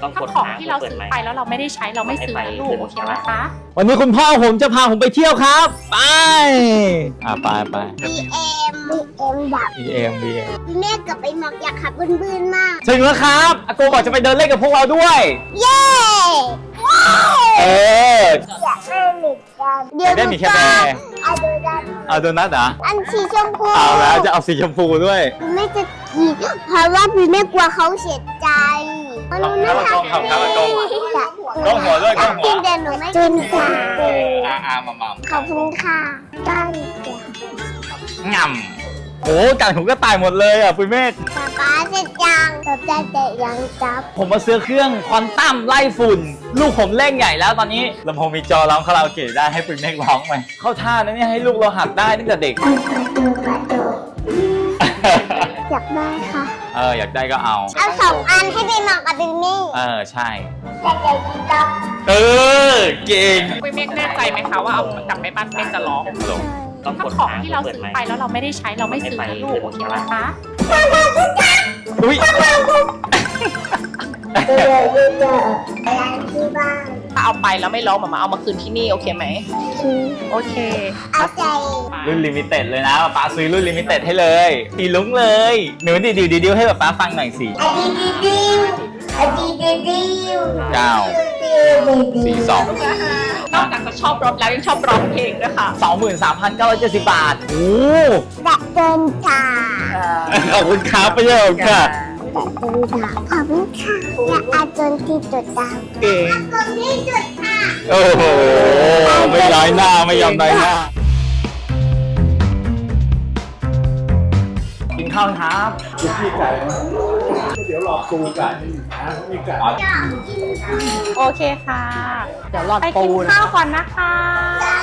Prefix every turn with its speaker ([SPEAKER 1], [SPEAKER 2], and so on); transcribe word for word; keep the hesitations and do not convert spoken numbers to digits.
[SPEAKER 1] ถ้าของที่เราซื้อไปแล้วเราไม่ได้ใช้เราไม่ซื้อนะลูกโอเคไหมคะ
[SPEAKER 2] วันนี้คุณพ่อผมจะพาผมไปเที่ยวครับ ไปอ่ะไปไป
[SPEAKER 3] บีเอ็มบีเอ็มดับ
[SPEAKER 2] บี เอ็ม บี เอ็ม
[SPEAKER 3] แม่กับไอ้หมอกอยากขับบื้นๆมาก
[SPEAKER 2] ถึงแล้วครับอาโกบอกจะไปเดินเล่นกับพวกเราด้วย
[SPEAKER 3] เย้ว้าว
[SPEAKER 2] เออ
[SPEAKER 3] อยากได้หมีกัน
[SPEAKER 2] อยากได้หมี่แคร์
[SPEAKER 3] เอาดูดัน
[SPEAKER 2] เอาโดนัทเหรอ
[SPEAKER 3] อันสีชมพู
[SPEAKER 2] เอาแล้วจะเอาสีชมพูด้วย
[SPEAKER 3] พี่แม่จะกินเพราะว่าพี่แม่กลัวเขาเสียใจมันรู้นะคะ
[SPEAKER 2] ครับครับครับ ก้มหัวด้วยก้มหัว
[SPEAKER 3] กินแต่หนูไม่กินค่ะ
[SPEAKER 2] เอออาอามามา
[SPEAKER 3] ขอบคุณค่ะได้จ้ะ
[SPEAKER 2] ง่ำโอ้กัดผมก็ตายหมดเลยอ่ะปุ้ยเมฆ
[SPEAKER 3] ป๊าป๊าเสร็จยังป๊าป๊าเสร็จยังจับ
[SPEAKER 2] ผมมาซื้อเครื่องควอนตัมไล่ฝุ่น ลูกผมเล่นใหญ่แล้วตอนนี้ลำโพงมีจอร้องคาราโอเกะได้ให้ปุ้ยเมฆร้องไหมเข้าท่านะเนี่ยให้ลูกเราหัดได้ตั้งแต่เด็ก
[SPEAKER 3] อยากได้ค่ะ
[SPEAKER 2] เอออยากได้ก็เอา
[SPEAKER 3] เอาสองอันให้พี่หมอกกับพี่มี่
[SPEAKER 2] เออใช่
[SPEAKER 3] แต่ใจจับ
[SPEAKER 2] เออเก่ง
[SPEAKER 1] ปุ้ยเมฆแน่ใจไหมคะว่าเอากลับไปบ้านเมฆจะร้องถ้าของที่เราซื้อไปแล้วเราไม่ได้ใช้เราไม่ซื้อนะลูกโอเคไหมคะ
[SPEAKER 2] อุ้ย
[SPEAKER 3] เดี๋ยวเดี๋ยวเดี๋ยวอะไรที่บ้าน
[SPEAKER 1] ถ้าเอาไปแล้วไม่ร้องมามาเอามาคืนที่นี่โอเคไหม
[SPEAKER 3] คือ
[SPEAKER 1] โอเค
[SPEAKER 3] เอาใจ
[SPEAKER 2] รุ่นลิมิเต็ดเลยนะป๊าซื้อรุ่นลิมิเต็ดให้เลยสีลุ้งเลยหนูดิดิวดิดิวให้ป๊าฟังหน่อยสิ
[SPEAKER 3] อะดีดีดิวอะดีดีดิว
[SPEAKER 2] เก้าสี่สอง
[SPEAKER 1] นอกจากจะชอบรถแล้วยังชอบร้องเพลงด้วยค่ะ
[SPEAKER 2] สองหมื่นสามพันเก้าร้อยเจ็ดสิบบาทโอ้
[SPEAKER 3] ดับเบิลค่ะ
[SPEAKER 2] ขอบคุณครับไปเยอะค่ะ
[SPEAKER 3] ดับเบิลค่ะขอบคุณค่ะและอาจนที่จุดดาว
[SPEAKER 2] เก่ง
[SPEAKER 3] กดที่จุดค่ะ
[SPEAKER 2] โอ้โหไม่ย้อยหน้าไม่ยอมน้อยหน้ากินข้าวครับ
[SPEAKER 4] พี่ไก่เดี๋ยวรอปูไก่นะมีไก่
[SPEAKER 1] โอเคค่ะ เดี๋ยวรอไปกินข้าวก่อนนะคะ